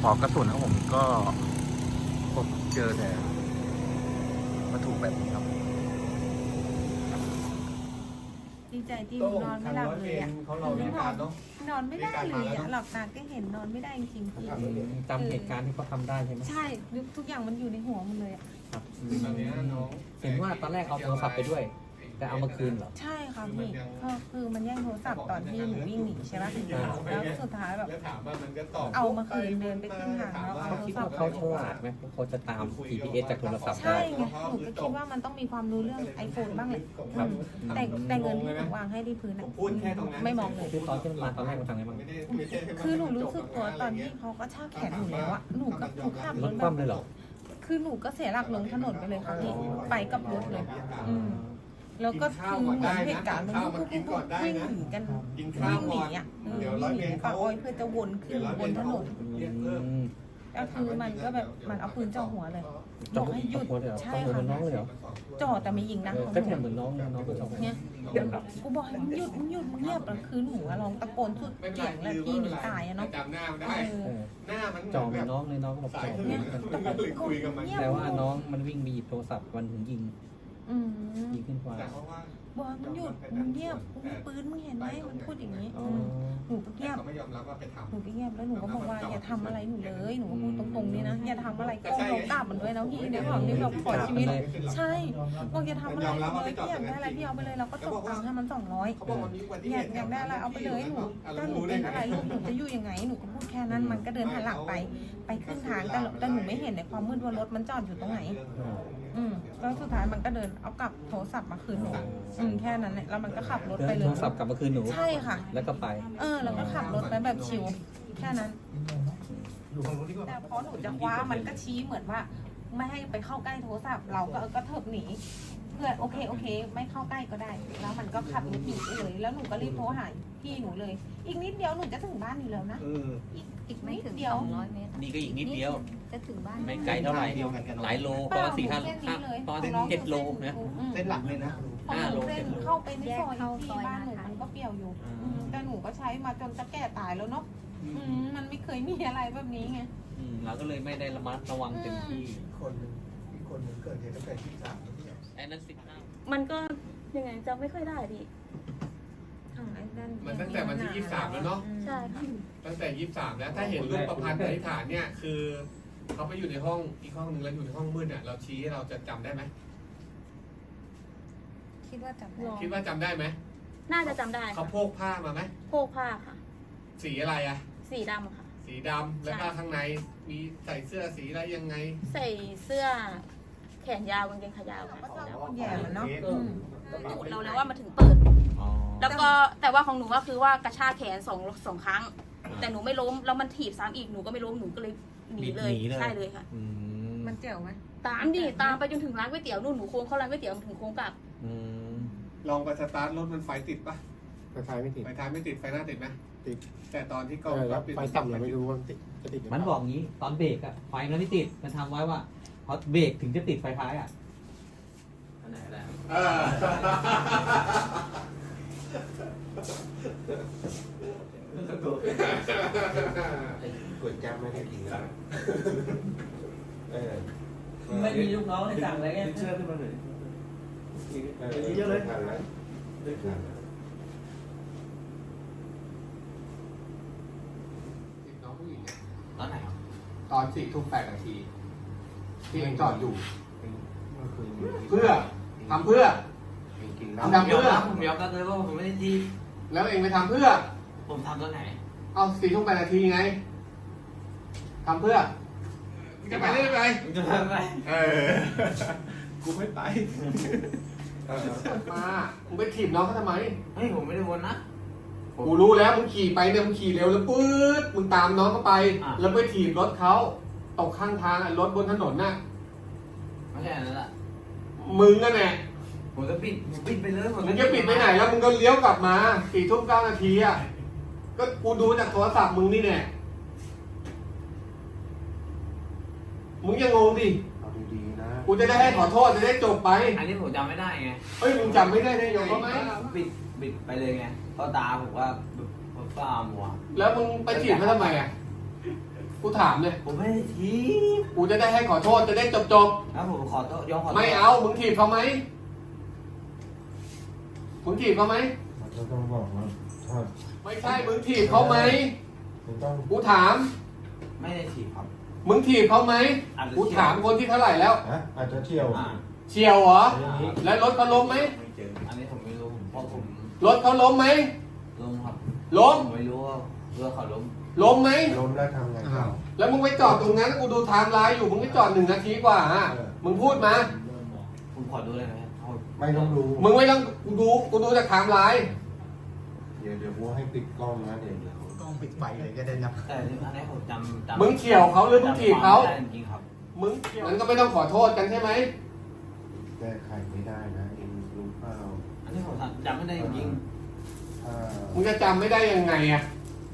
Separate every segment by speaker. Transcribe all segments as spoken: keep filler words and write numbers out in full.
Speaker 1: ปลอกกระสุนของผมก็พบเจอแต่วัตถุแบบนี้ครับ
Speaker 2: ดีใจที่หนูนอนไม่หลับเลยอ่ะ
Speaker 3: เขาเราในการเนาะ
Speaker 2: นอนไม่ได้เลยอ่ะหลับตาก็เห็นนอนไม่ได้จริงๆพี่
Speaker 4: จำเหตุการณ์ที่เขาทำได้ใช่ไหม
Speaker 2: ใช่ทุกอย่างมันอยู่ในหัวมันเลยอ่ะ
Speaker 4: ครับ
Speaker 3: ตอนนี้น้อง
Speaker 4: เห็นว่าตอนแรกเอาโทรศัพท์ไปด้วย แต่เอามาคืนเหรอ
Speaker 2: ใช่ค่ะพี่ก็คือมันแย่งโทรศัพท์ตอนที่หนูวิ่งหนีใช่ไหมแล้วสุดท้ายแบบ
Speaker 3: แล้วถามว่ามันก็ตอบ
Speaker 2: เอามาคืนเดินไปขึ้นทางแล้วเอา
Speaker 4: เขา
Speaker 2: โทร
Speaker 4: คิด
Speaker 2: ศัพ
Speaker 4: ว่า
Speaker 2: ท์
Speaker 4: เขาฉลาดไหมเขาจะตาม จี พี เอส จากโทรศัพท์ได้
Speaker 2: ใช่ไงหนูก็คิดว่ามันต้องมีความรู้เรื่องไอโฟนบ้างเลยอืมแต่แต่เงินที่หนูวางให้ที่พื้นอ่ะไม่มองเลย
Speaker 4: คือตอนที่มันมาตอนแรกมันทำไงบ้าง
Speaker 3: ไม่ได้ไม่ใช่
Speaker 2: คือหนูรู้สึกตัวตอนที่เขาก็ชากแขนหนูแล้วอะหนูก็ถูกขับร
Speaker 4: ร
Speaker 2: ถ
Speaker 4: ถ
Speaker 2: แบ
Speaker 4: คว่ำ
Speaker 2: บ
Speaker 4: เลยเหรอ
Speaker 2: คือหนูก็เสียหลักลงถนนไปเลยค่ะพี่ไปกับรถเลย อืมแล้วก็คือเหมือนเหตุการณ์มันก็ปุ๊บปุ๊บปุ๊บวิ่งหนีกันวิ่งหนีอ่ะอืมวิ่งหนีปากอ้อยเพื่อจะวนขึ้นบนถนนก็คือมันก็แบบมันเอาปืนจ่อหัวเลยบ
Speaker 4: จ่อ
Speaker 2: อกให้หยุด
Speaker 4: หัวเลยเหรอ
Speaker 2: ใช่
Speaker 4: จ่อหัว
Speaker 2: ค่ะ
Speaker 4: น้องเลยเหรอ
Speaker 2: จ่อแต่ไม่ยิงนะ
Speaker 4: เออก็เนี่ยเหมือนน้องน้องก็จ่อหัว
Speaker 2: เนี่ยกูบอกให้มึงหยุดมึงหยุดมึงเงียบแล้วคือหนูอะร้องตะโกนสุดเสียงแล้วพี่หนีตายอะเนาะ
Speaker 3: จำหน้าไม่
Speaker 2: เอ
Speaker 3: ได้
Speaker 2: อ
Speaker 4: เออ
Speaker 3: หน้ามัน
Speaker 4: จ่อเหมือนน้องเลยน้องก็บอกจ่อเหมื
Speaker 2: เนี่ย
Speaker 4: อนกัน
Speaker 2: ตะโกน
Speaker 3: เลยคุยกับมัน
Speaker 2: เงียบ
Speaker 4: แต่ว่าน้องมันวิ่งไปหยิบโทรศัพท์มันถึงยิง
Speaker 2: อืม
Speaker 4: ยิงขึ้นฟ้า
Speaker 3: แต่เพราะว่า
Speaker 2: บอกมึงหยุดมึงเงียบกูมีปืนมึงเห็นไหมมันพูดอย่างนี้
Speaker 4: อ๋อ
Speaker 2: อืมหนูก็เงียบ
Speaker 3: เขาไม่ยอมรับว่าไปทำ
Speaker 2: หนูก็เงียบแล้วหนูก็บอกว่าอย่าทำอะไรหนูเลยหนูก็พูดตรงๆนี่นะอย่าทำอะไรก้มลงกราบมันด้วยนะพี่เดี๋ยวความที่แบบขอชีวิตใช่บอกอย่าทำอะไรเลยพี่อยากได้อะไรพี่เอาไปเลยเราก็ตกตังค์ให้มันสองร้อย
Speaker 3: เขาบอกวันนี้วันที่
Speaker 2: อยากอยากได้อะไรเอาไปเลยหนูถ้าหนูเป็นอะไรลูกหนูจะอยู่ยังไงหนูก็พูดแค่นั้นมันก็เดินหันหลังไปไปขึ้นทางแต่แต่หนูไม่เห็นในความมืดว่ารถมันจอดอยู่ตรงไหน อืมแล้วสุดท้ายมันก็เดินเอากลับโทรศัพท์มาคืนหนูอืมแค่นั้นแหละแล้วมันก็ขับรถ
Speaker 4: เดิ
Speaker 2: ไป
Speaker 4: น
Speaker 2: เล
Speaker 4: โท
Speaker 2: ย
Speaker 4: รศัพท์กลับมาคืนหนู
Speaker 2: ใช่ค่ะ
Speaker 4: แล้วก็ไป
Speaker 2: เออแล้วก็ขับรถไปแบบชิวแค่นั้นแต่พอหนูจะคว้ามันก็ชี้เหมือนว่า ไม่ให้ไปเข้าใกล้โทรศัพท์เราก็เออก็เถิบหนีเพื่อนโอเคโอเค ไม่เข้าใกล้ก็ได้ แล้วมันก็ขับรถหนีไปเลย แล้วหนูก็รีบโทรหาพี่หนูเลย อีกนิดเดียวหนูจะถึงบ้านอยู่แล้วนะอีกอีก
Speaker 5: ไม่
Speaker 2: นิด
Speaker 5: ถึง
Speaker 2: เดียว
Speaker 5: สองร้อยเมตร
Speaker 4: นี่ก็อีกนิดเดียว
Speaker 5: จะถึงบ้าน
Speaker 4: ไม่ไกลเท่าไหร่หลายโลประมาณสี่ห้าประมาณเจ็ดโลนะ
Speaker 1: เส้นหลักเลยนะ
Speaker 2: พอหนูเส้นเข้าไปในซอยที่บ้านหนูมันก็เปรี่ยวอยู่อืมแต่หนูก็ใช้มาจนจะแก่ตายแล้วเนาะอืมมันไม่เคยมีอะไรแบบนี้ไง
Speaker 4: อืมเราก็เลยไม่ได้ระมัดระวังเต็มที่
Speaker 3: คนหนึ่งอีกคนหนึ่งเกิดเหตุตั้งแต่ที่สามแล้วเนี่ย
Speaker 4: ไอ้นั้นสิบห้า
Speaker 5: มันก็ยังไงจำไม่ค่อยได้พี่
Speaker 3: มันตั้งแต่วันที่ยี่สิบสามแล้วเนาะ
Speaker 5: ใช่ค่ะ
Speaker 3: ตั้งแต่ยี่สิบสามแล้ว ถ้าเห็นรูปประพันธ์ปณิธานเนี่ยคือเขาไปอยู่ในห้องอีกห้องหนึ่งแล้วอยู่ในห้องมืดเนี่ยเราชี้เราจะจำได้ไหม
Speaker 2: คิดว่าจำได้
Speaker 3: คิดว่าจำได้ไหม
Speaker 5: น่าจะจำได้
Speaker 3: เขา
Speaker 5: ค่ะ
Speaker 3: โพกผ้ามาไหม
Speaker 5: โพกผ้าค่ะ
Speaker 3: สีอะไรอะ
Speaker 5: สีดำค่ะ
Speaker 3: สีดำแล้วก็ข้างในมีใส่เสื้อสีอะไรยังไง
Speaker 5: ใส่เสื้อแขนยาวกางเกงขายาวค่ะ
Speaker 2: ก็ชอบคนแย่มันเนาะ
Speaker 3: อืม
Speaker 5: ตูดเราเลยว่ามันถึงเปิด
Speaker 4: อ๋อ
Speaker 5: แล้วก็แต่ว่าของหนูก็คือว่ากระชากแขนสองสองครั้ง แต่หนูไม่ล้มแล้วมันถีบซ้ำอีกหนูก็ไม่ล้มหนูก็เลยหนีเลยใช่เลยค่ะ
Speaker 4: อืม
Speaker 2: มันเจ๋วไหม
Speaker 5: ตามดิตามไปจนถึงร้านก๋วยเตี๋ยวนู่นหนูโค้งเข้าร้านก๋วยเตี๋ยวถึงโค้งกลับ
Speaker 4: อืม
Speaker 3: ลองไปสตาร์ทรถมันไฟติดปะ
Speaker 6: ไฟท้ายไม่ติด
Speaker 3: ไฟท้ายไม่ติดไฟหน้าติดไหม
Speaker 6: ติด
Speaker 3: แต่ตอนที่กล้
Speaker 6: เอ
Speaker 3: อง
Speaker 6: อแล้ว
Speaker 3: ปิด
Speaker 6: ไฟต่ำเราไม่รู้ว่าติดจะติดหรืเป
Speaker 4: มัน
Speaker 6: ล่า
Speaker 4: บอกงี้ตอนเบรกอะไฟมันไม่ติดมันทำไว้ว่าพอเบรกถึงจะติดไฟท้ายอะอันไหนแล้ว
Speaker 3: เออ
Speaker 6: กดแก๊ปไม่ได้กินแล้วเออ
Speaker 4: ไม่มีลูกน้องเลยสั่งอะไรเงี้ย
Speaker 6: เชื่อขึ้นมาหน่อยเยอะเลยทันแล้วได้ทันแล้ว
Speaker 3: น้องผู้หญิงเนี่ย
Speaker 4: ตอนไหน
Speaker 3: ตอนสี่ทุ่มแปดนาทีที่เองจอดอยู่
Speaker 6: เมื่อคืน
Speaker 3: เพื่อทำเพื่อ
Speaker 6: เองกิน
Speaker 3: ทำเพื่อ
Speaker 4: ผมยอมรับเลยว่าผมไม่ได้ที่
Speaker 3: แล้วเองไปทำเพื่อ
Speaker 4: ผมทำตอนไหน
Speaker 3: เอาสี่ทุ่มแปดนาทีไงทำเพื่อจะไปได้ไหม
Speaker 4: ผมจะทำอะไร
Speaker 3: เออกูไม่ไปมามึงไปถีบน้องเขาทำไม
Speaker 4: เฮ้ยผมไม่ได้วนนะ
Speaker 3: กูรู้แล้วมึงขี่ไปเนี่ยมึงขี่เร็วแล้วปื๊ดมึงตามน้องเขาไป
Speaker 4: อ่ะ
Speaker 3: แล้วไปถีบรถเขาตกข้างทางอ่ะรถบนถนนน่ะ
Speaker 4: ไม่ใช่อันนั้นแหละ
Speaker 3: มึงนั่นแหละ
Speaker 4: ผมจะปิดผมปิดไปเลยผม
Speaker 3: มึงจะปิดไปไหนแล้วมึงก็เลี้ยวกลับมาสี่ทุ่มเก้านาทีอ่ะก็กูดูจากโทรศัพท์มึงนี่แน่มึงยังงงดิ
Speaker 6: เอาดีๆนะ
Speaker 3: กูจะได้ให้ขอโทษจะได้จบไป
Speaker 7: อันนี้ผมจำไม่ได้ไง
Speaker 3: เฮ้ยมึงจำไม่ได้ได้ยังไง
Speaker 7: บิดบิดไปเลยไงเพราะตาผมว่าผมฟ้ามัว
Speaker 3: แล้วมึงไปถีบเขาทำไมอ่ะกูถามเลย
Speaker 7: ผมไม่ได้ทีบ
Speaker 3: กูจะได้ให้ขอโทษจะได้จบจบ
Speaker 7: แล้วผมขอโทษยอมขอ
Speaker 3: ๆ
Speaker 7: โทษ
Speaker 3: ไม่เอามึงถีบเขาไหมมึงถีบเขาไหม
Speaker 6: มันก็ต้องบอกว่าถ้า
Speaker 3: ไม่ใช่มึงถีบเขาไหม
Speaker 6: คุณต้อง
Speaker 3: กูถาม
Speaker 7: ไม่ได้ทีบครับ
Speaker 3: มึงถีบเขาไหม
Speaker 7: อาจจะ
Speaker 3: กูถามคนที่เท่าไหร่แล้ว
Speaker 6: ฮะอาจจะเที่ยว
Speaker 7: อ่า
Speaker 3: เฉียวเหรอ
Speaker 6: อย่างนี้
Speaker 3: แล้วรถเขาล้มไหม
Speaker 7: ไม่เจออันนี้ผมไม่รู้ผมเพราะผม
Speaker 3: รถเขาล้มไหม
Speaker 7: ล้มครับ
Speaker 3: ล้ม
Speaker 7: ผมไม่รู้ว่าเรือเขาล้ม
Speaker 3: ล้มไหม
Speaker 6: ล้มแล้วทำไงต่อ
Speaker 3: แล้วมึงไปจอดตรงนั้นกูดูไทม์ไลน์อยู่มึงไปจอดหนึ่งนาทีกว่าฮะ
Speaker 6: เออ
Speaker 3: มึงพูดมา
Speaker 7: ผมขอดูเลยนะโทษ
Speaker 6: ไม่ต้องดู
Speaker 3: มึงไม่ต้องกูดูกูดูจากไทม์ไลน์
Speaker 6: เดี๋ยวเดี๋ยวกูให้ปิดกล้องนะเดี๋ยวเดี๋ยว
Speaker 1: กล้องปิดไฟเลยก็ได้นะ
Speaker 7: แต่อันนี้ผมจำจำ
Speaker 3: มึงเฉียวเขาหรือมึงถีบเขา
Speaker 7: จำไม่ได้จริงๆครับ
Speaker 3: มึงมันก็ไม่ต้องขอโทษกันใช่ไหม
Speaker 6: แก้ไขไม่ได้นะเองรู้เปล่า
Speaker 7: อันนี้ผมจำไม่ได้จริง
Speaker 6: ถ้า
Speaker 3: มึงจะจำไม่ได้ยังไงอะ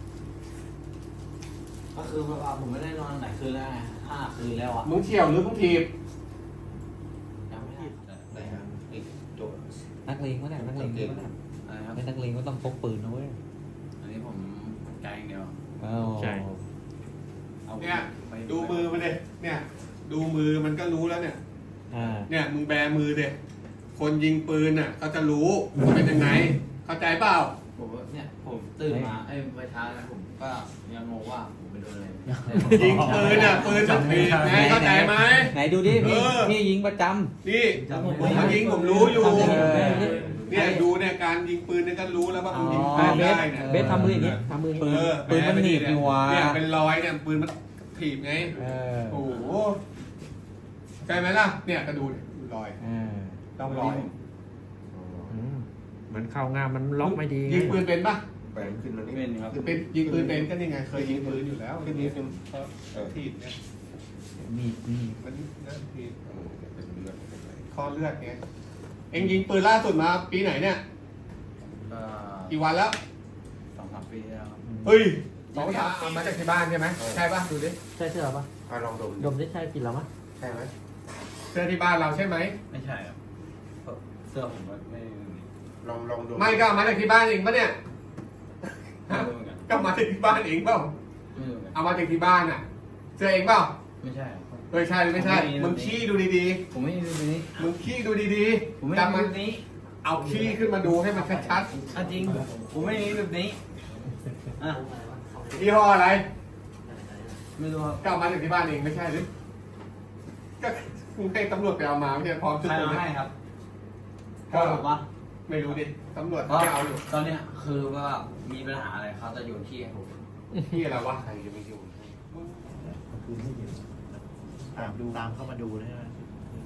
Speaker 7: ๆก็คือว่าผมไม่ได้นอนไหนคืนแล้วไงห้าคืนแล้วอ่ะ
Speaker 3: มึงเฉียวหรือมึงถีบ
Speaker 7: จำไม่ได้แต่อีกโจทย์
Speaker 4: นักเลงก็ได้นักเลงก็ได้
Speaker 7: อะไรครับ
Speaker 4: เป็นนักเลงก็ต้องพกปืนนะเว้ย
Speaker 7: อันนี้ผมใจอย่างเดียว
Speaker 4: อ้าว
Speaker 1: ใช่
Speaker 7: เอา
Speaker 3: เนี่ย
Speaker 7: ไป
Speaker 3: ดูมือมันเลยเนี่ย ดูมือมันก็รู้แล้วเนี่ย
Speaker 4: อ่า
Speaker 3: เนี่ยมึงแบมือเด็คนยิงปืนน่ะเขาจะรู้ว่าเป็นยังไง เข้าใจเปล่า
Speaker 7: ผมว่าเนี่ยผมตื่นมาไอ้ยไปช้าแล้วผมก็ยังงงว่าผมไปโดนอะไร
Speaker 3: ยิงปืนน่ะปืนมันผิดไงเข้าใจไหม
Speaker 4: ไหนดูดิพี่
Speaker 3: เออ
Speaker 4: พี่ยิงประจ
Speaker 3: นี่ผมมายิงผมรู้อยู่
Speaker 4: เออ
Speaker 3: เนี่ยดูเนี่ยการยิงปืนเนี่ยก็รู้แล้วว่า
Speaker 4: ำ
Speaker 3: มึงยิง
Speaker 4: อ๋
Speaker 3: ปื
Speaker 4: อน เบส
Speaker 3: ได้เนี่ย
Speaker 4: เบสทำมืออย่างนี้ทำมืออย่าง
Speaker 3: เอ
Speaker 4: นี้
Speaker 3: อ
Speaker 4: ปืนมันหนีบอยู่ว่ะ
Speaker 3: เนี่ยเป็นรอยเนี่ยปืนมันถีบไง
Speaker 4: เออ
Speaker 3: โอ้โหใช่ไหมล่ะเนี่ยก็ดูดิดูรอย
Speaker 4: เออ
Speaker 3: ต้องรอย
Speaker 1: อืมเหมือนเข้างามมันล็อกไม่ดีไง
Speaker 3: ยิงปืนเป็นปะ
Speaker 6: แปลงขึ้นแล้วนี่
Speaker 7: เป็นครับ
Speaker 3: เป็นยิงปืนเป็นก็นี่ไงเคยยิงปืนอยู่แล้ว
Speaker 6: ขึ้นนิดนึง
Speaker 3: เออถีบเนี่ย
Speaker 4: มีดมีด
Speaker 3: มันนั่นถีบ
Speaker 6: เออเป็นเลือดเป็นไร
Speaker 3: ข้อเลือดไงเอ็งยิงปืนล่าสุดมาปีไหนเนี่ย
Speaker 7: ก็
Speaker 3: กี่วันแล้ว
Speaker 7: สองสามปีแล้วครับ
Speaker 3: เฮ้ยสองสามเอามาจากที่บ้านใช่ไหมใช่ปะดูดิ
Speaker 4: ใช่เสื้อปะ
Speaker 6: อ่ะลองดม
Speaker 4: ดมได้ใช่กินแล้วมั้ย
Speaker 6: ใช่ไหม
Speaker 3: เสื้อที่บ้านเราใช่ไหม
Speaker 7: ไม่ใช่ครับเสื้อผมก็ไม่
Speaker 6: ลองลองดม
Speaker 3: ไม่ก็เอามาจากที่บ้านเองปะเนี่ย
Speaker 7: ไม่รู้เหมือนกัน
Speaker 3: ก็มาจากที่บ้านเองเปล่า
Speaker 7: ไม่รู้เหมือนกัน
Speaker 3: เอามาจากที่บ้านอ่ะเสื้อเองเปล่า
Speaker 7: ไม่ใช่ครับ
Speaker 3: เฮ้ยใช่หรือไม่ใช่
Speaker 7: ผมไม่มี
Speaker 3: มึงขี้ดูดี
Speaker 7: ผมไม่มีแบบนี้
Speaker 3: ๆมึงขี้ดูดี
Speaker 7: ผมไม่
Speaker 3: ๆ
Speaker 7: มี
Speaker 3: จำมัน
Speaker 7: แบบนี้
Speaker 3: เอาขี้ขึ้นมาดูให้มันชัด
Speaker 7: อ่ะจริงผมไม่มีแบบนี้อ่ะ
Speaker 3: ๆยี่ห้ออะไร
Speaker 7: ไม่รู้ครับ
Speaker 3: ก็เอามาจากที่บ้านเองไม่ใช่หรือก็มึงให้ตำรวจไปเอามาไม่ใช่พร้อมชุด
Speaker 7: ใคร
Speaker 3: ตัว
Speaker 7: เอา
Speaker 3: เนี่ย
Speaker 7: ให้ครับ
Speaker 3: ก็
Speaker 7: พ่อผมปะ
Speaker 3: ไม่รู้ดิตำรวจ
Speaker 7: เพราะ
Speaker 3: ไม่เอาอยู่
Speaker 7: ตอนเนี้ยคือว่ามีปัญหาอะไรเขาจะโยนขี้ให้ผม
Speaker 3: ที่อะไรวะ
Speaker 6: ใครจะไม่อยู่
Speaker 8: คืนให้เห็นตามดูตามเข้ามาดูนะฮะ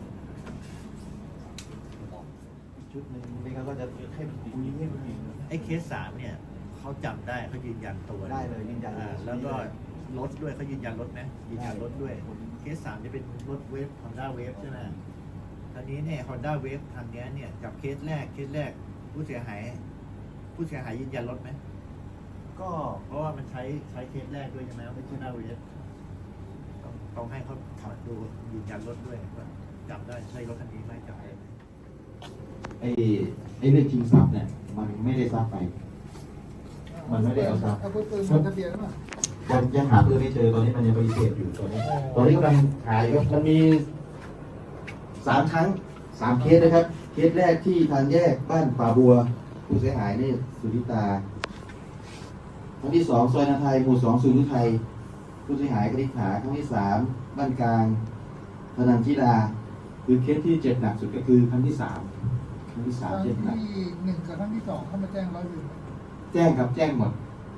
Speaker 8: ชุดหนึ่งนี่เขาก็จะให้คุยให้มันไอ้เคสสามเนี่ยเขาจำได้เขายืนยันตัว
Speaker 7: ได้เลยยืนยัน
Speaker 8: อ่าแล้วก็รถด้วยเขายืนยันรถนะยืนยันรถด้วย เคสสามจะเป็นรถเวฟฮอนด้าเวฟใช่ไหมตอนนี้เนี่ยฮอนด้าเวฟทางเนี้ยเนี่ยกับเคสแรกเคสแรกผู้เสียหาย ผู้เสียหายยืนยันรถไหมก็เพราะว่ามันใช้ใช้เคสแรกด้วยใช่ไหมไม่ใช่หน้าเวฟ ต้องต้องให้เขาขับดูยืนยันรถด้วยว่าจำได้ใช่รถคันนี้ไหมจำได้ไหม
Speaker 9: ไอ้ไอ้เรื่องชิงทรัพย์เนี่ย มันไม่ได้ทรัพย์ไป มันไม่ได้เอาทรัพย์
Speaker 10: เอาปืนมาทะเบียนป่ะ
Speaker 9: ยังยังหาปืนไม่เจอตอนนี้มันยังปฏิเสธอยู่ตอนนี้ ตอนนี้กำลังหาอยู่มันมีสามครั้งสามเคสนะครับ เคสแรกที่ทางแยกบ้านป่าบัว ผู้เสียหายนี่สุริตาครั้งที่สองซอยนาไทยหมู่สองสุริไทยผู้เสียหายกนิษฐาครั้งที่สามบ้านกลางธนันทิดาคือเคสที่เจ็บหนักสุดก็คือครั้งที่สามครั้งที่สาม
Speaker 10: ครั้ง
Speaker 9: เจ็บหนัก
Speaker 10: ที่หนึ่งกับครั้งที่สองเข้ามาแจ้งร้อยเวร
Speaker 9: แจ้งครับแจ้งหมด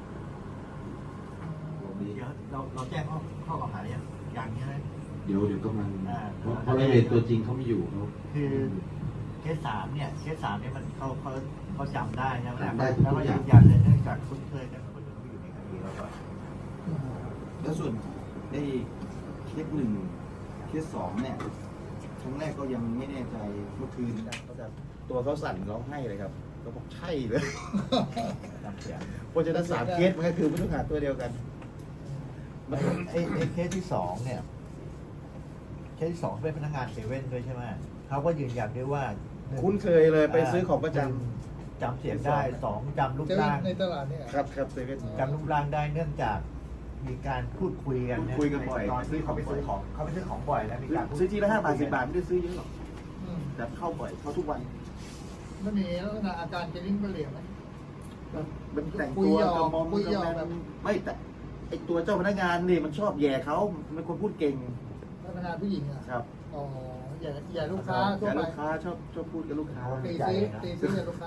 Speaker 8: เดี๋ยวเราเราแจ้งข้อข้อกล่าวหาอย่างอย่างนี้นะ
Speaker 9: เดี๋ยวเดี๋ยวกำลัง
Speaker 8: อ่า
Speaker 9: เพราะเพราะรายละเอียดตัวจริงเขาไม่อยู่เขา
Speaker 8: คือเคสสามเนี่ยเคสสามเนี่ยมันเขาเขาเขาจำได้ใช่ไหม
Speaker 9: จำได้ทุก
Speaker 8: แล้วก็
Speaker 9: อ
Speaker 8: ยื
Speaker 9: ย่าง
Speaker 8: นยันเลยเนื่องจากคุ้นเคยกันคนที่อยู่ในคดีแล้วก็
Speaker 9: แล้วส่วนได้เคสหนึ่งเคสสองเนี่ยครั้งแรกก็ยังไม่แน่ใจเมื่อคืนเขาจะตัวเขาสั่นร้องไห้เลยครับเขาบอกใช่เลย
Speaker 8: จำเสียง
Speaker 9: เพราะฉะนั้นสามเคสมันก็คือผู้ต้องหาตัวเดียวกัน
Speaker 8: ไอ้ไอ้ไอ้เคสที่สองเนี่ยเคสที่สองเป็นพนักงานเซเว่นด้วยใช่ไหมเขาก็ยืนยันด้วยว่าหนึ่ง
Speaker 9: คุ้นเคยเลยไปซื้อของประจ
Speaker 8: หนึ่งจำเสียงได้สองจำรูป
Speaker 10: เจะ
Speaker 8: ร่าง
Speaker 10: ในตลาดเนี่ย
Speaker 9: ำครับครับเซเว่น
Speaker 8: จำรูปร่างได้เนื่องจากมีการพูดคุยกันเนี่ย
Speaker 9: คุยกันบ่อย
Speaker 8: ตอนที่เขาไปซื้อของเขาไปซื้อของบ่อยนะมีการพูด
Speaker 9: ซื้อทีละห้าบาทสิบบาทไม่ได้ซื้อเยอะหรอก
Speaker 10: อืม
Speaker 9: แต่เข้าบ่อยเข้าทุกวัน
Speaker 10: ไม่มีลักษณะอาการเกลิ้งเปลี่ยนไหม
Speaker 9: มันแต่ง
Speaker 10: คุย
Speaker 9: ตัว
Speaker 10: หยอก
Speaker 9: กระมอม
Speaker 10: คุยหยอก
Speaker 9: กระแม
Speaker 10: แบบ
Speaker 9: มไม่แต่ไอตัวเจ้าพนักงานนี่มันชอบแย่เขามันเป็นคนพูดเก่ง
Speaker 10: พนักงานผู้หญิงอ่ะ
Speaker 9: ครับ
Speaker 10: อ๋ออย่าอย่าลูกค้าทั่ว
Speaker 9: แต่
Speaker 10: ไป
Speaker 9: ลูกค้าชอบชอบพูดกับลูกค้า
Speaker 10: ตีซีตีซีอย่าลูกค้า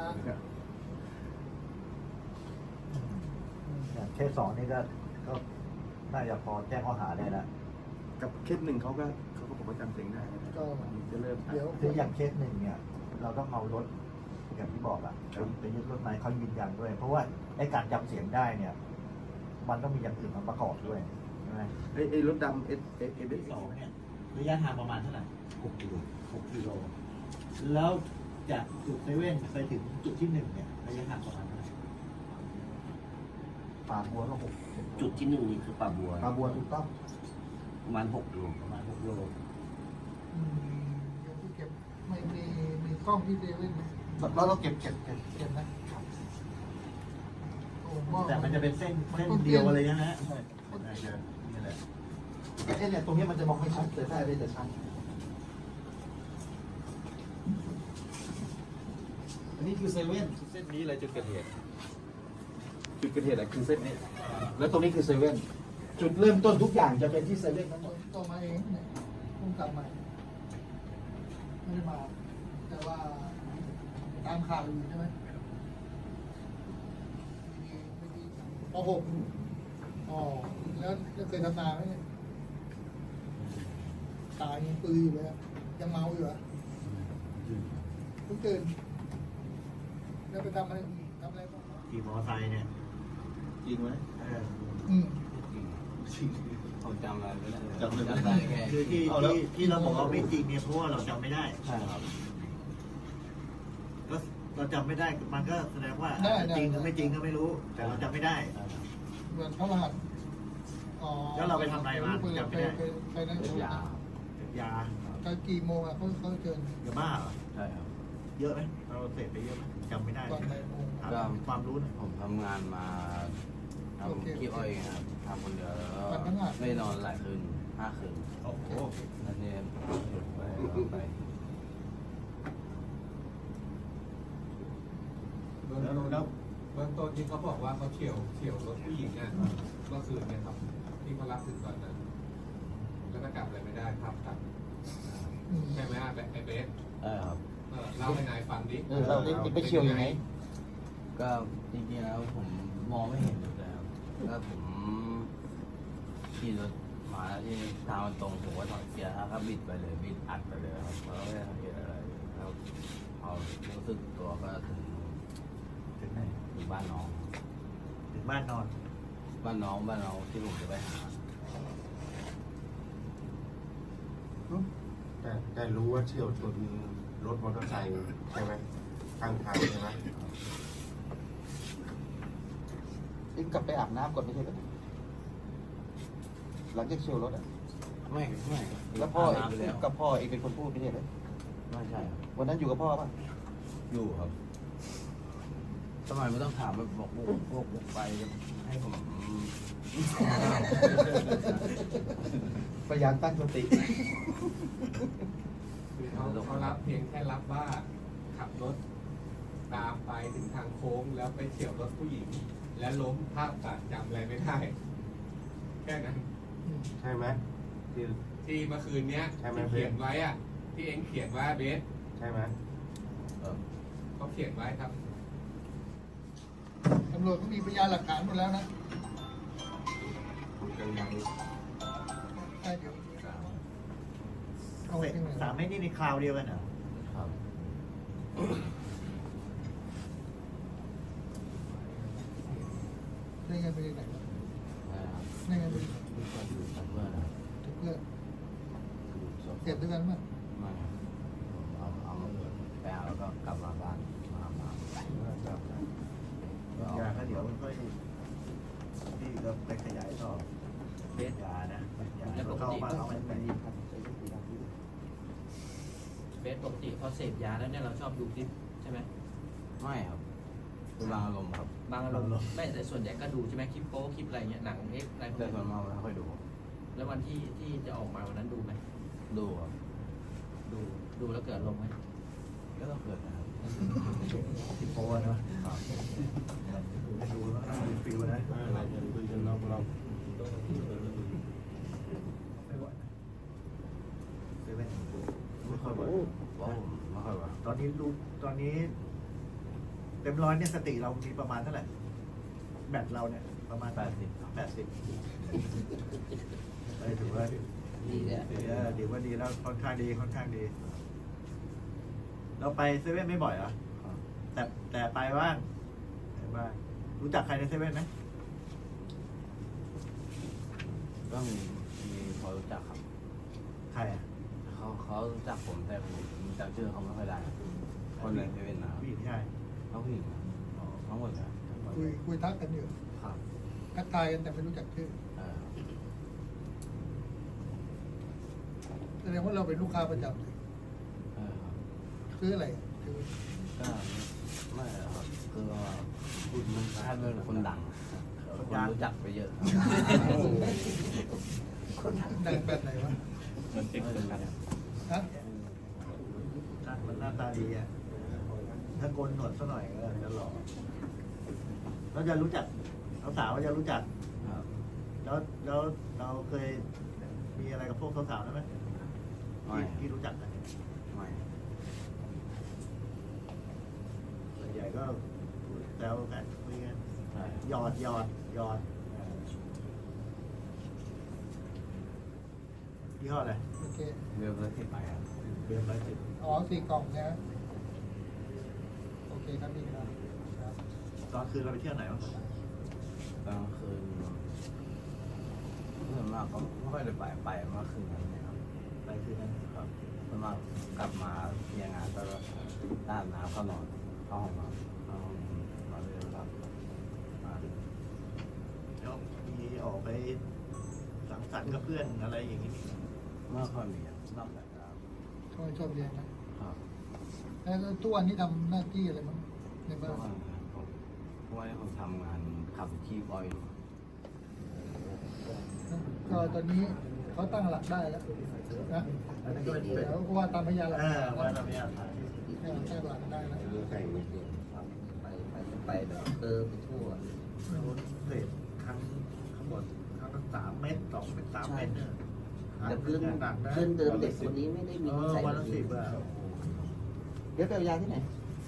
Speaker 8: อย่างเคสสองนี่ก็ก็น่าจะพอแจ้งข้อหาได้แล้ว
Speaker 9: กับเคสหนึ่งเขาก็เขาก็บอกว่าจำเสียงได้นะ
Speaker 10: ก็
Speaker 9: จะเริ่ม
Speaker 10: เดี๋ยว
Speaker 8: คืออย่างเคสหนึ่งเนี่ย เราต้องเอารถอย่างที่บอกอะไปยึดรถไหมเขายืนยันด้วย เพราะว่าไอ้การจำเสียงได้เนี่ย มันต้องมีอย่างอื่นมาประกอบด้วยใช่ไหม
Speaker 9: ไอ้ไอ้รถดำเอสเอสเอส
Speaker 8: สองเนี่ยระยะทางประมาณเท่าไหร่
Speaker 9: หกกิโล
Speaker 8: หกกิโลแล้วจากจุดเซเว่นไปถึงจุดที่หนึ่งเนี่ยระยะทางประมาณเท่าไหร่ป่าบัวก็หก
Speaker 11: จุดที่หนึ่งนี่คือป่าบัว
Speaker 8: ป่าบัวถูกต้อง
Speaker 11: ประมาณหกโล
Speaker 8: ประมาณหกกิโล
Speaker 10: อืมเดี๋ยวที่เก็บไม่มีมีกล้องที่เซเว่นไหม
Speaker 8: เราต้องเก็บเก็บเก็บ
Speaker 10: เก็บนะโอ้ว่า
Speaker 8: แต่มันจะเป็นเส้นเส้นเดียวอะไรนะฮะใช่ใช่นี่แหละเอ้เนี่ยตรงนี้มันจะมองไม่ชัดแต่ถ้าได้จะชัด
Speaker 9: อันนี้คือเซเว่นเส้นนี้เลยจุดเกิดเหตุจุดเกิดเหตุอะคือเส้นนี้ แล้วตรงนี้คือเซเว่นจุดเริ่มต้นทุกอย่างจะเป็นที่เซเว่นทั้งหมด
Speaker 10: ตัวมาเองเนี่ยพุ่งกลับมาไม่ได้มา แต่ว่าตามข่าวอยู่ใช่ไหมปหกอ๋อแล้วแล้วเคยทำนาไหมเนี่ยตายยังปืนอยู่เลยอะยังเมาอยู่เหรอ่ะเพิ่งตื่นแล้วไปทำอะไรทำอะไรบ้าง
Speaker 8: ขี่มอเตอร์ไซค์เนี่ย
Speaker 9: จริงไหม
Speaker 8: เออ
Speaker 10: อืม
Speaker 7: ผมจำอะไรไม่ได้เลย
Speaker 9: จำไม่ได้
Speaker 7: ได้แค่
Speaker 8: คือที่ที่ที่เราบอกว่าไม่จริงเนี่ยเพราะว่าเราจำไม่ได้
Speaker 7: ใช่ครับ
Speaker 8: ก็เราจำไม่ได้มันก็แสดงว่าจริงหรือไม่จริงก็ไม่รู้ แต่เราจำไม่ได้
Speaker 10: เหมือนพระรหัสอ๋อ
Speaker 8: แล้วเราไปทำอะไรมา
Speaker 10: ป
Speaker 8: จำไม่ได้
Speaker 10: ปไปนั่น
Speaker 7: เป็นยา
Speaker 8: เสพยา
Speaker 10: ก็กี่โมงอ่ะเขาเขาเชิญ
Speaker 8: ยาบ้าเหรอ
Speaker 7: ใช่ครับ
Speaker 8: เยอะไหมเราเสพไปเยอะไหมจำไม่ได้
Speaker 10: ตอนไหนโมง
Speaker 8: ถามความรู้หนะ
Speaker 7: ผมทำงานมาทำขี้อ้อยครับทำคนเดียวแล้วก็ไม่นอนหลายคืนห้าคืน
Speaker 8: โอ้โห
Speaker 7: แล้วเนี่ยหยุดไปแล้วไป
Speaker 3: เบื้องต้นเบื้องต้นที่เขาบอกว่าเขาเฉี่ยวเฉี่ยวรถผู้หญิงเนี่ยเมื่อคืนเนี่ยครับที่เขารับถึงตอนนั้นแล้วก็กลับอะไรไม่ได้ภาพตัด
Speaker 10: อืม
Speaker 3: ใช่ไหมฮะไอเบส
Speaker 7: เออครับ
Speaker 3: เออเล่าให้นายฟังดิ
Speaker 8: เออเราได้ไปเชียวยังไง
Speaker 7: ก็จริงๆแล้วผมมองไม่เห็นอยู่แล้วแล้วผมขี่รถมาที่ทางมันตรงผมก็ถอยเกียร์แล้วก็บิดไปเลยบิดอัดไปเลยครับแล้วไม่ได้สังเกตอะไรแล้วพอรู้สึกตัวก็ถึง
Speaker 8: ถึงไหน
Speaker 7: ถึงบ้านน้อง
Speaker 8: ถึงบ้านนอน
Speaker 7: บ้านน้องบ้านน้องที่ผมจะไปหา
Speaker 6: แต่แต่รู้ว่าเฉี่ยวชนรถมอเตอร์ไซค์ใช่ไหมทางทางใช่ไหม
Speaker 9: เอ็งกลับไปอาบน้ำก่อนไม่ใช่เหรอหลังจากเฉี่ยวรถอ่ะ
Speaker 7: ไม่ไม่
Speaker 9: แล้วพ่อเอ็ง
Speaker 7: าบน้ำไป
Speaker 9: พู
Speaker 7: แล้
Speaker 9: ด
Speaker 7: ว
Speaker 9: กับพ่อเอ็งเป็นคนพูดไม่ใช่เหรอ
Speaker 7: ไม่ใช่ครับ
Speaker 9: วันนั้นอยู่กับพ่อป่ะ
Speaker 7: อยู่ครับทำไมไม่ต้องถามแบบบอกบุกบุกบุกไปให้ผม
Speaker 9: พยายามตั้งสติ
Speaker 3: คือเขาเขารับเพียงแค่รับว่าขับรถตามไปถึงทางโค้งแล้วไปเฉี่ยวรถผู้หญิง และล้มภาพตัดจำอะไรไม่ได้แค่นั้น
Speaker 6: ใช่ไหมที่
Speaker 3: ที่เมื่อคืนเนี้ย
Speaker 6: ใช่ไหม
Speaker 3: ที่เขียนไว้อะที่เอ็งเขียนไว้เบส
Speaker 6: ใช่ไหม
Speaker 7: เออ
Speaker 3: เขาเขียนไว้ครับ
Speaker 10: ตำรวจก็มีพยานหลักฐานหมดแล้วนะ
Speaker 6: ยังยัง
Speaker 10: ใช่เดี๋ยวเอา
Speaker 8: เสร็จ
Speaker 10: ที่ไหน
Speaker 8: สามเม็ดนี่ในคราวเดียวกันเหรอ
Speaker 7: ครับ
Speaker 10: ได้เงินไปที่ไหนวะ
Speaker 7: ได้ครับ
Speaker 10: ได้เงินไปที่ไหน
Speaker 7: มีคนอยู่กับเพื่อนนะครับ
Speaker 10: ถึงเพื่อน
Speaker 7: อยู่สอง
Speaker 10: เสพด้วยกันมั้ย
Speaker 7: ไม่ครับผมเอาเอามาเปิดไปเอาแล้วก็กลับมาบ้านมามา
Speaker 8: ยาก็เดี๋ยวค่อยที่ก็ไปขยายต่อเบสยานะยาแล้วเข้ามาเอามันไป
Speaker 4: เบสปกติพอเสพยาแล้วเนี่ยเราชอบดูคลิปใช่ไหม
Speaker 7: ไม่ครับคือบางอารมณ์ครับ
Speaker 4: บางอารมณ์ไม่แต่ส่วนใหญ่ก็ดูใช่ไหมคลิปโป๊คลิปอะไรเงี้ยหนังเอ็กอะไรพวก
Speaker 7: แต่ส่ว
Speaker 4: นี้
Speaker 7: นมากไม่ค่อยดู
Speaker 4: แล้ววันที่ที่จะออกมาวันนั้นดูไหม
Speaker 7: ดูครับ
Speaker 4: ดูดูแล้วเกิดลงไหม
Speaker 7: ก็ต้องเกิดนะครับ
Speaker 8: ติดโพสเนาะดูแล้วน่าดูฟิลนะเซเว่นไม่ค่อยบ่อย
Speaker 7: ว่าผมไม่ค่อยว่า
Speaker 8: ตอนนี้รู้ตอนนี้ เต็มร้อยเนี่ยสติเรามีประมาณเท่าไหร่แบตเราเนี่ยประมาณ
Speaker 7: แปดสิบ
Speaker 8: แปดสิบเอ้ยถือว่า
Speaker 11: ดีเนี่ย
Speaker 8: ถือว่าถือว่าดีแล้วค่อนข้างดีค่อนข้างดี เราไปเซเว่นไม่บ่อยเหรอแต่แต่ไปบ้างไปบ้างรู้จักใครในเซเว่นไหม
Speaker 7: ก็มีมีพอรู้จักครับ
Speaker 8: ใครอ่ะ
Speaker 7: เขาเขารู้จักผมแต่ผมจำชื่อเขาไม่ค่อยได้ คนในเซเว่นนะครับ
Speaker 8: ผู้หญิงใช่
Speaker 7: เขาผู้หญิงนะทั้งหมดนะ
Speaker 10: คุยคุยทักกันอยู่
Speaker 7: ครับ
Speaker 10: ทักทายกันแต่ไม่รู้จักชื่อ
Speaker 7: เออ
Speaker 10: แสดงว่าเราเป็นลูกค้าประจำเลย
Speaker 7: เออครับ
Speaker 10: ซื้ออะไรซื้อ
Speaker 7: ก็ไม่หรอกครับคือว่าพูดมันถ้าเป็นคนดังคนรู้จักไปเยอะครับ
Speaker 10: ดังแบบไหนวะ
Speaker 7: มันเป็นคนดัง
Speaker 10: ฮะ
Speaker 8: หน้ามันหน้าตาดีอ่ะถ้าโกนหนวดซะหน่อยก็จะหล่อเราจะรู้จักสาวๆก็จะรู้จัก
Speaker 7: ครับ
Speaker 8: แล้วแล้วเราเคยมีอะไรกับพวกสาวๆได้ไหม
Speaker 7: ไม่
Speaker 8: ที่ที่รู้จักกันเนี่ย
Speaker 7: ไม่
Speaker 8: ส่วนใหญ่ก็แซวกันคุยกัน
Speaker 7: ใช่
Speaker 8: หยอดหยอดหยอดยี่ห้ออะไร
Speaker 10: โอเค
Speaker 7: เรือเรือที่ไปครับ
Speaker 8: เบียร์ร้อยสิบ
Speaker 10: อ๋อสี่กล่องนะโอเคครับพี่ครับครับ
Speaker 8: ตอนคืนเราไปเที่ยวไหนบ้าง
Speaker 7: กลางคืนส่วนมากก็ไม่ค่อยได้ไปไปเมื่อคืนนั้นเนี่ยครับ
Speaker 8: ไปคืนนั้น
Speaker 7: ครับส่วนมากกลับมาเที่ยงงานก็ด้านน้ำเข้านอนเข้าห้องนอนเข้าห้องนอนเลยครับมา
Speaker 8: แล้วมีออกไปสังสรรค์กับเพื่อนอะไรอย่างนี้
Speaker 7: เมื่อค่อยมีครับนอกจากครับ
Speaker 10: ชอบชอบเรียนนะครับ แล้วทุกวันนี้ทำหน้าที่อะไรบ้างใน
Speaker 7: เพ
Speaker 10: บ้า
Speaker 7: ราะว่าน ผมเพราะว่าผมทำงานขับขี่บอยอยู่
Speaker 10: ก็ตอนนี้เขาตั้งหลักได้แล้วนะ
Speaker 8: อันนั้นก็เป็นเป็น
Speaker 10: แล้วก็ว่าตามพยานหลัก
Speaker 8: เอ
Speaker 10: ฐา
Speaker 8: อน ว่าเราไม่อยากถ่าย
Speaker 10: ให้เราตั้งหลักได้แล้ว
Speaker 11: ใส่ไม่เดียวไปไปไปแบบเออไปทั่ว
Speaker 8: เศษครั้งข้างบนครั้งละสามเมตรสองเมตรสามเมตรเนี่ย
Speaker 11: แต่เพื่อน
Speaker 8: หนักนะ
Speaker 11: เพื่อนเดิมเด็กคนนี้ไม่ได้มี
Speaker 8: เอ
Speaker 11: นิ
Speaker 8: อ
Speaker 11: สัย
Speaker 8: วัน
Speaker 11: แบ
Speaker 8: ละ
Speaker 11: บ
Speaker 8: สิ
Speaker 11: นี้
Speaker 8: บอ่ะ
Speaker 9: เดี๋ยวไปเอายาที่ไหน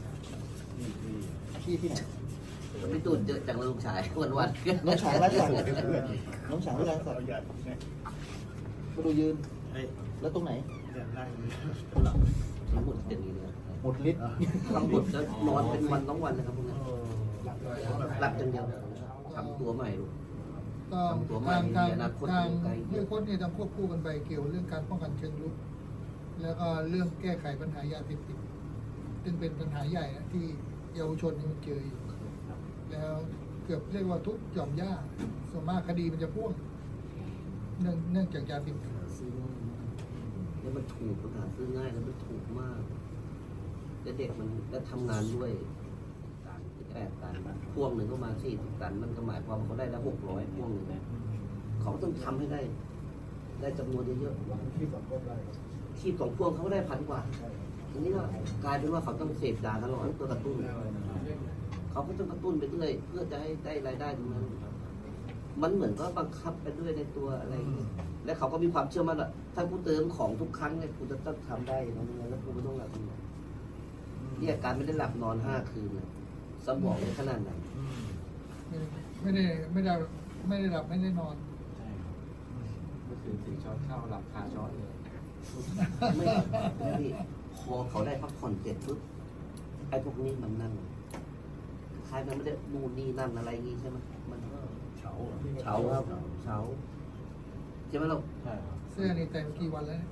Speaker 7: ที่ที่
Speaker 9: ที่ที่ไหน
Speaker 11: มันไม่ตูดเยอะจังเลยลูกชายวันวัน
Speaker 9: น้องฉางไว้ก่อนน้องฉางไว้ก่อนมาดูยืน
Speaker 8: เฮ้ย
Speaker 9: แล้วตรงไหน
Speaker 8: เดี๋ยวนั่ง
Speaker 11: ทั้งหมดอย่างนี้เลย
Speaker 9: หมดฤทธิ์
Speaker 11: ทั้งหมดจะนอนเป็นวันต้องวันนะครับพวกนั้นหลับอย่างเดียวทำตัวใหม่ลูก
Speaker 10: ก็
Speaker 11: ทำตัวใหม่
Speaker 10: ทางทาง
Speaker 11: มีอนาคต
Speaker 10: ทาง
Speaker 11: อยู่ไกล
Speaker 10: เรื่องโค้ชเนี่ยต้องควบคู่กันไปเกี่ยวเรื่องการป้องกันเชิงรุกแล้วก็เรื่องแก้ไขปัญหายาเสพติดซึ่งเป็นปัญหาใหญ่นะที่เยาวชนนี่มันเจออยู่แล้วเกือบเรียกว่าทุกหย่อมย่าส่วนมากคดีมันจะพ่วงเนื่องเนื่องจากยาเสพติด
Speaker 11: ซื้อง่ายแล้วมันถูกปัญหาซื้อง่ายแล้วมันถูกมากแล้วเด็กมันแล้วทำงานด้วยตันแปดตันพ่วงหนึ่งก็มาสี่สิบตันมันก็หมายความว่าเขาได้แล้วหกร้อยพ่วงหนึ่งเขาต้องทำให้ได้ ได้จำนวนเยอะๆที่สองพ่วงเขาก็ได้พันกว่าทีนี้ก็กลายเป็นว่าเขาต้องเสพยาตลอดตัวกระตุ้นเขาก็ต้องกระตุ้นไปเรื่อยเพื่อจะให้ได้รายได้ตรงนั้น มันเหมือนก็บังคับไปด้วยในตัวอะไรอย่างเงี้ยและเขาก็มีความเชื่อมั่นว่าถ้ากูเติมของทุกครั้งเนี่ยกูจะต้องทำได้นะมึงแล้วกูไม่ต้องหลับเนี่ยการไม่ได้หลับนอนห้าคืนเนี่ยสมองในขนาดไหน
Speaker 10: ไม่ได้ไม่ได้ไม่ได้หลับไม่ได้นอน
Speaker 7: ใช่ครับ
Speaker 3: เมื่อคืนสี่ช้อนข้าวหลับคาช้อนเลย
Speaker 11: ไม่พี่พอเขาได้พักผ่อนเสร็จปุ๊บไอ้พวกนี้มันนั่งคล้ายมันไม่ได้นู่นนี่นั่นอะไรอย่างงี้ใช่ไหมมันก็
Speaker 8: เฉา
Speaker 11: เฉาครับเฉาใช่ไหมเรา
Speaker 7: ใช่ครับ
Speaker 10: เสื้อนี่แต่งกี่วันแล้วเนี่ย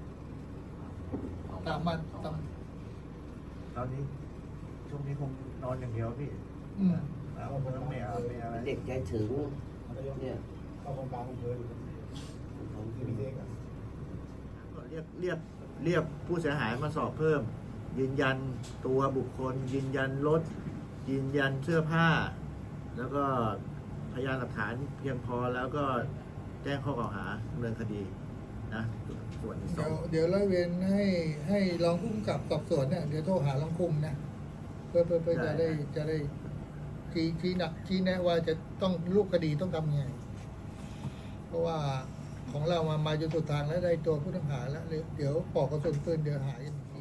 Speaker 10: สามวันสาม
Speaker 8: ตอนนี้ช่วงนี้คงนอนอย่างเดียวพี่
Speaker 10: อืม
Speaker 8: แล้วก็ไม่เอาไม่อะไร
Speaker 11: เด็กใจถึงเนี่ย
Speaker 10: เข้าโครงการของเธออยู่ที่มีเด็กอ่ะ
Speaker 8: เรียกเรียกเรียกผู้เสียหายมาสอบเพิ่ม ยืนยันตัวบุคคล ยืนยันรถยืนยันเสื้อผ้า แล้วก็พยานหลักฐานเพียงพอแล้วก็แจ้งข้อกล่าวหาดำเนินคดีนะส่วนที่ส
Speaker 10: เดี๋
Speaker 8: อ
Speaker 10: ยว
Speaker 8: ง
Speaker 10: เดี๋ยวร้อยเวรให้ให้รองผู้กำกับสอบสวนเนี่ยเดี๋ยวโทรหารองคุมนะเพื่อเพื่อเพื่อจะได้จะได้ชี้ชี้หนักชี้แนะว่าจะต้องรูปคดีต้องทำไงเพราะว่าของเรามามาจนสุดทางแล้วได้ตัวผู้ต้องหาแล้วเดี๋ยวปอกกระสุนปืนเดี๋ยวหายกันอีก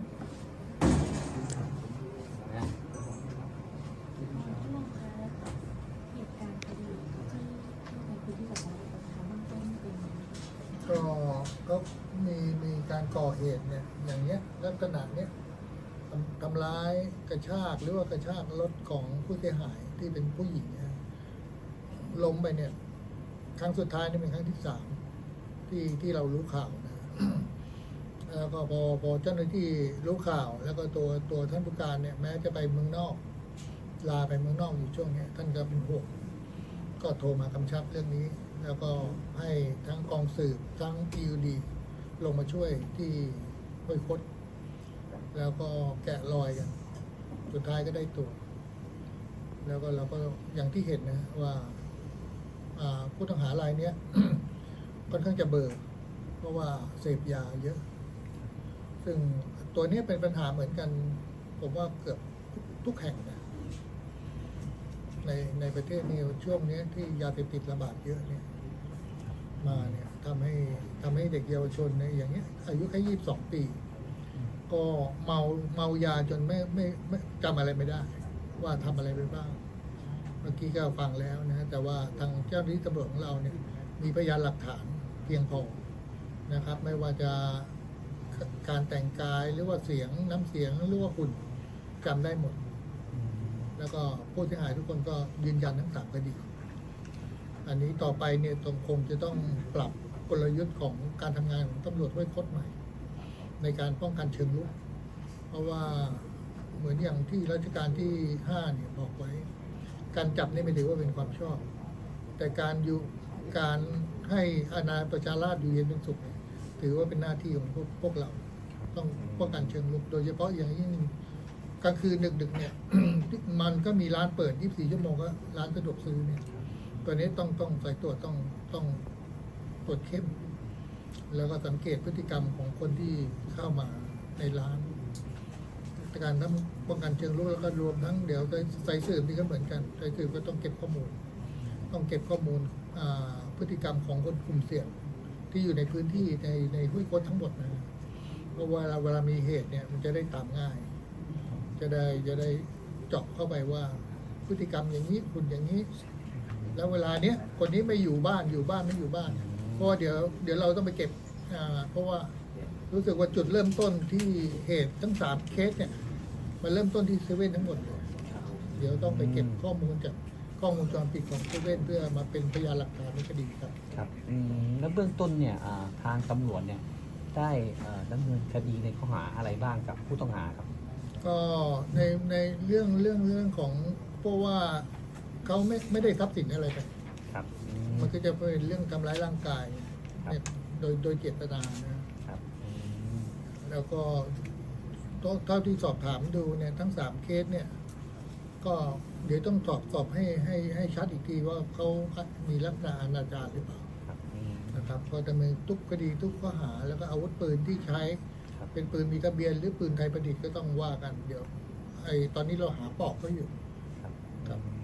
Speaker 10: ก็ก็มีมีการก่อเหตุเนี่ยอย่างเงี้ยลักษณะเนี้ยทำทำร้ายกระชากหรือว่ากระชากรถของผู้เสียหายที่เป็นผู้หญิงเนี่ยล้มไปเนี่ยครั้งสุดท้ายนี่เป็นครั้งที่สามที่ที่เรารู้ข่าวนะ แล้วก็พอพอเจ้าหน้าที่รู้ข่าว แล้วก็ตัวตัวท่านผู้การเนี่ยแม้จะไปเมืองนอกลาไปเมืองนอกอยู่ช่วงนี้ท่านก็เป็นห่วงก็โทรมากำชับเรื่องนี้ แล้วก็ให้ทั้งกองสืบทั้ง พี ยู ดี ลงมาช่วยที่ห้วยคดแล้วก็แกะรอยกัน สุดท้ายก็ได้ตัว แล้วก็เราก็อย่างที่เห็นนะว่าผู้ต้องหารายเนี้ย ค่อนข้างจะเบิกเพราะว่าเสพยาเยอะ ซึ่งตัวนี้เป็นปัญหาเหมือนกัน ผมว่าเกือบทุกแห่งนะในในประเทศนี้ช่วงนี้ที่ยาเสพติดระบาดเยอะเนี่ยมาเนี่ยทำให้ทำให้เด็กเยาวชนในอย่างเงี้ยอายุแค่ยี่สิบสองปี ก็เมาเมายาจนไม่ไม่ไม่จำอะไรไม่ได้ ว่าทำอะไรไปบ้าง เมื่อกี้ก็ฟังแล้วนะแต่ว่าทางเจ้าหน้าที่ตำรวจของเราเนี่ยมีพยานหลักฐานเพียงพอนะครับ ไม่ว่าจะการแต่งกายหรือว่าเสียงน้ำเสียงหรือว่าหุ่นจำได้หมด แล้วก็ผู้เสียหายทุกคนก็ยืนยันทั้งสามคดี อันนี้ต่อไปเนี่ยต้องคงจะต้องปรับกลยุทธ์ของการทำงานของตำรวจห้วยคดใหม่ ในการป้องกันเชิงรุกเพราะว่าเหมือนอย่างที่รัชกาลที่ห้าเนี่ยบอกไว้ การจับนี่ไม่ถือว่าเป็นความชอบ แต่การอยู่การให้อาณาประชาราษฎร์อยู่เย็นเป็นสุขเนี่ยถือว่าเป็นหน้าที่ของพวกพวกเรา ต้องป้องกันเชิงรุกโดยเฉพาะอย่างยิ่งกลางคืนดึกๆเนี่ย มันก็มีร้านเปิดยี่สิบสี่ชั่วโมงก็ร้านสะดวกซื้อเนี่ยตัวนี้ต้องต้องสายตรวจต้องต้องตรวจเข้ม แล้วก็สังเกตพฤติกรรมของคนที่เข้ามาในร้านการทั้งป้องกันเชิงรุกแล้วก็รวมทั้งเดี๋ยวใส่สืบนี่ก็เหมือนกันใส่สืบก็ต้องเก็บข้อมูล ต้องเก็บข้อมูลพฤติกรรมของคนกลุ่มเสี่ยงที่อยู่ในพื้นที่ในในห้วยคดทั้งหมดนะเพราะว่าเวลามีเหตุเนี่ยมันจะได้ตามง่าย จะได้จะได้เจาะเข้าไปว่าพฤติกรรมอย่างนี้คุณอย่างนี้ แล้วเวลาเนี้ยคนนี้ไม่อยู่บ้านอยู่บ้านไม่อยู่บ้านเพราะว่าเดี๋ยวเดี๋ยวเราต้องไปเก็บอ่าเพราะว่ารู้สึกว่าจุดเริ่มต้นที่เหตุทั้งสามเคสเนี่ยมันเริ่มต้นที่เซเว่นทั้งหมดเลยเดี๋ยวต้องไปเก็บข้อมูลจากกล้องวงจรปิดของเซเว่นเพื่อมาเป็นพยานหลักฐานในคดีครับ
Speaker 4: ครับอืมแล้วเบื้องต้นเนี่ยอ่าทางตำรวจเนี่ยได้เอ่อดำเนินคดีในข้อหาอะไรบ้างกับผู้ต้องหาครับ
Speaker 10: ก็ในในเรื่องเรื่องเรื่องของเพราะว่าเขาไม่ไม่ได้ทรัพย์สินอะไรไป
Speaker 4: ครับอืม
Speaker 10: มันก็จะเป็นเรื่องทำร้ายร่างกายเนี่ยโดยโดยเจตนานะครับ
Speaker 4: อืม
Speaker 10: แล้วก็เท่าที่สอบถามดูเนี่ยทั้งสามเคสเนี่ยก็เดี๋ยวต้องสอบสอบให้ให้ให้ชัดอีกทีว่าเขามีลักษณะอนาจารหรือเปล่า
Speaker 4: ครับอืม
Speaker 10: นะครับก็ดำเนินทุกคดีทุกข้อหาแล้วก็อาวุธปืนที่ใช้
Speaker 4: ครับ
Speaker 10: เป็นปืนมีทะเบียนหรือปืนไทยประดิษฐ์ก็ต้องว่ากันเดี๋ยวไอ้ตอนนี้เราหาปลอกเขาอยู่
Speaker 4: ครับ
Speaker 10: ครับ
Speaker 4: อืม